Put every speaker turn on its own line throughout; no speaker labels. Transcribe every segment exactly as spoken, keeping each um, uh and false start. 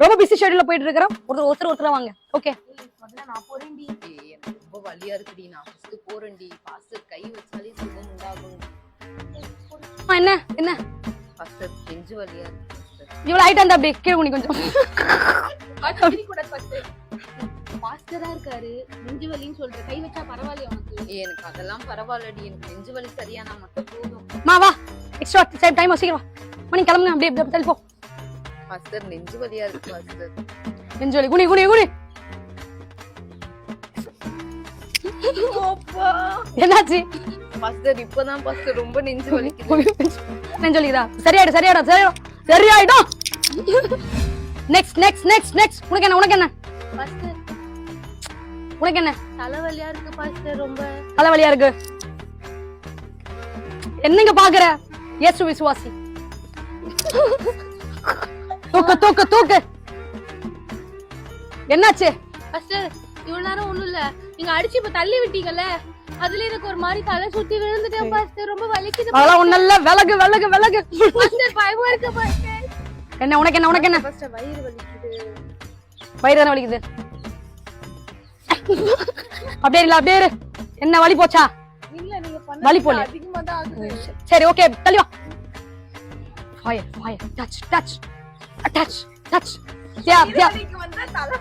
ரொம்ப பிஸி ஷெட்யூல்ல போயிட்டு இருக்கிறோம். ஒருத்தர் ஒருத்தர் ஒருத்தர் வாங்க. ஓகே
நான் போறேன்டி. எனக்கு ரொம்ப வலியா இருக்குடி. நான் ஃபர்ஸ்ட் போறேன்டி. பாஸ்டர் கை வச்சாலே சுகம் உண்டாகும்.
என்ன என்ன
பாஸ்டர் நெஞ்சு வலியா இருக்கு.
இவ்வளவு ஹைட் அந்த அப்படியே கீழ குனி கொஞ்சம்.
பாஸ்டரா இருக்காரு, நெஞ்சு வலின்னு சொல்ற. கை வச்சா பரவாயில்லையா உனக்கு? எனக்கு அதெல்லாம் பரவாயில்லடி. எனக்கு நெஞ்சு வலி சரியானா மட்டும் போதும்.
மா வா எக்ஸ்ட்ரா டைம் டைம் சீக்கிரம் மணி கிளம்புங்க. அப்படியே அப்படியே தள்ளி போ.
பாஸ்டர் நெஞ்சு வலியா இருக்கு பாஸ்டர்.
நெஞ்சு வலி குனி குனி குனி. என்னாச்சு
பாஸ்டர்? இப்பதான் பாஸ்டர் ரொம்ப நெஞ்சு வலிக்குது.
நெஞ்சு வலிக்குதா? சரியாயிடும் சரியாயிடும் சரியாயிடும் சரியாயிடும். Next next next next. உனக்கு என்ன உனக்கு என்ன
பாஸ்டர்?
உனக்கு என்ன?
தலைவலியா இருக்கு பாஸ்டர். ரொம்ப
தலைவலியா இருக்கு. என்னங்க பாக்குற? இயேசு விசுவாசி. தூக்கு தூக்கு தூக்கு. என்னாச்சு
பாஸ்டர்? இவ்வளவு நேரம் ஒண்ணும் இல்ல, நீங்க அடிச்சு இப்ப தள்ளி விட்டீங்கல்ல, அதுல எனக்கு ஒரு மாதிரி தலை சுத்தி விழுந்துட்டேன் பாஸ்டர். ரொம்ப வலிக்குது.
அதெல்லாம் ஒண்ணு இல்ல. விலகு விலகு விலகு.
பாஸ்டர் பயமா இருக்கு பாஸ்டர்.
என்ன உனக்கு என்ன உனக்கு என்ன?
பாஸ்டர் வயிறு வலிக்குது.
வயிறு தானே வலிக்குது. அப்படியே இல்ல அப்படியே. என்ன வலி போச்சா?
இல்ல நீங்க பண்ண
வலி போல.
அதிகமா தான் ஆகுது.
சரி ஓகே தள்ளி வா. Fire fire touch touch touch touch. Diya Diya.
நீங்க வந்தா தலை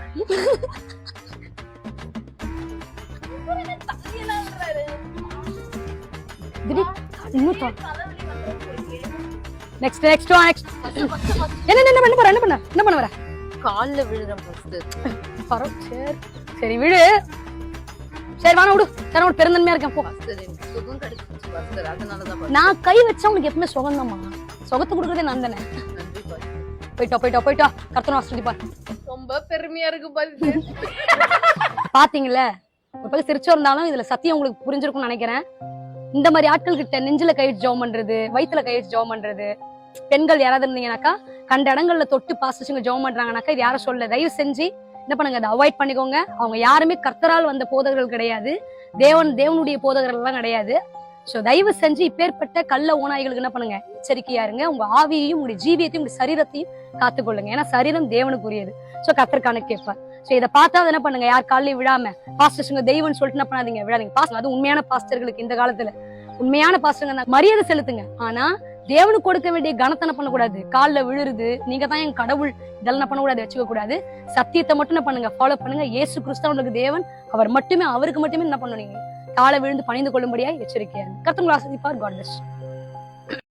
தலையெல்லாம் விடுறாரு.
திடி இன்னும் தா. Next next next. என்ன என்ன என்ன பண்ண என்ன பண்ண என்ன பண்ண வர?
கால்ல விழுறேன் பாஸ்டர்.
பரவ சரி சரி விடு. சரி வாங்க விடு. சரி ஒரு பெருந்தன்மையா இருக்கேன் போ.
பாஸ்டர் எனக்கு சுகம் கிடைச்சிச்சு பாஸ்டர். அதனால தான்
நான் கை வச்சா உங்களுக்கு எப்பவுமே சுகம்தாம்மா. சுகத்தை கொடுக்கறதே நான் தானே.
நன்றி பாஸ்டர்.
போயிட்டோ போயிட்டோ போயிட்டோ. கர்த்தனை ஆசீர்வதி பார்.
ரொம்ப பெருமையா இருக்கு பாஸ்டர்.
பாத்தீங்கல்ல, ஒரு பக்கம் சிரிச்சு இருந்தாலும் இதுல சத்தியம் உங்களுக்கு புரிஞ்சிருக்கும்னு நினைக்கிறேன். இந்த மாதிரி ஆட்கள் கிட்ட நெஞ்சில கை வச்சு ஜெபம் பண்றது, வயித்துல கை வச்சு ஜெபம் பண்றது, பெண்கள் யாராவது இருந்தீங்கன்னாக்கா கண்ட இடங்கள்ல தொட்டு பாஸ்டர்ஸுங்க ஜெபம் பண்றாங்கனாக்கா இது யாரும் சொல்ல. தயவு செஞ்சு என்ன பண்ணுங்க, அதை அவாய்ட் பண்ணிக்கோங்க. அவங்க யாருமே கர்த்தரால் வந்த போதகர்கள் கிடையாது. தேவன் தேவனுடைய போதகர்கள் எல்லாம் கிடையாது. சோ தயவு செஞ்சு இப்பேற்பட்ட கள்ள ஓநாய்களுக்கு என்ன பண்ணுங்க, எச்சரிக்கையா இருங்க. உங்க ஆவியையும் உங்களுடைய ஜீவியத்தையும் உங்களுடைய சரீரத்தையும் காத்துக்கொள்ளுங்க. ஏன்னா சரீரம் தேவனுக்குரியது. சோ கர்த்தருக்கான கேட்பார். சோ இதை பார்த்தா என்ன பண்ணுங்க, யார் காலையும் விடாம பாஸ்டர்ஸுங்க தெய்வம்னு சொல்லிட்டு என்ன பண்ணாதீங்க, விடாதீங்க. பாஸ்டர் அது உண்மையான பாஸ்டர்களுக்கு இந்த காலத்துல உண்மையான பாஸ்டருங்க மரியாதை செலுத்துங்க. ஆனா தேவனுக்கு கொடுக்க வேண்டிய கனத்தனை பண்ணக்கூடாது. காலில் விழுறது, நீங்க தான் என் கடவுள், இதெல்லாம் பண்ணக்கூடாது, வச்சுக்க கூடாது. சத்தியத்தை மட்டும் என்ன பண்ணுங்க, ஃபாலோ பண்ணுங்க. இயேசு கிறிஸ்தவனுக்கு தேவன், அவர் மட்டுமே, அவருக்கு மட்டுமே என்ன பண்ணுவீங்க, காலை விழுந்து பணிந்து கொள்ளும்படியா எச்சரிக்கையா இருக்கு. கர்த்தர் உங்களை ஆசீர்வதிப்பார். God plus.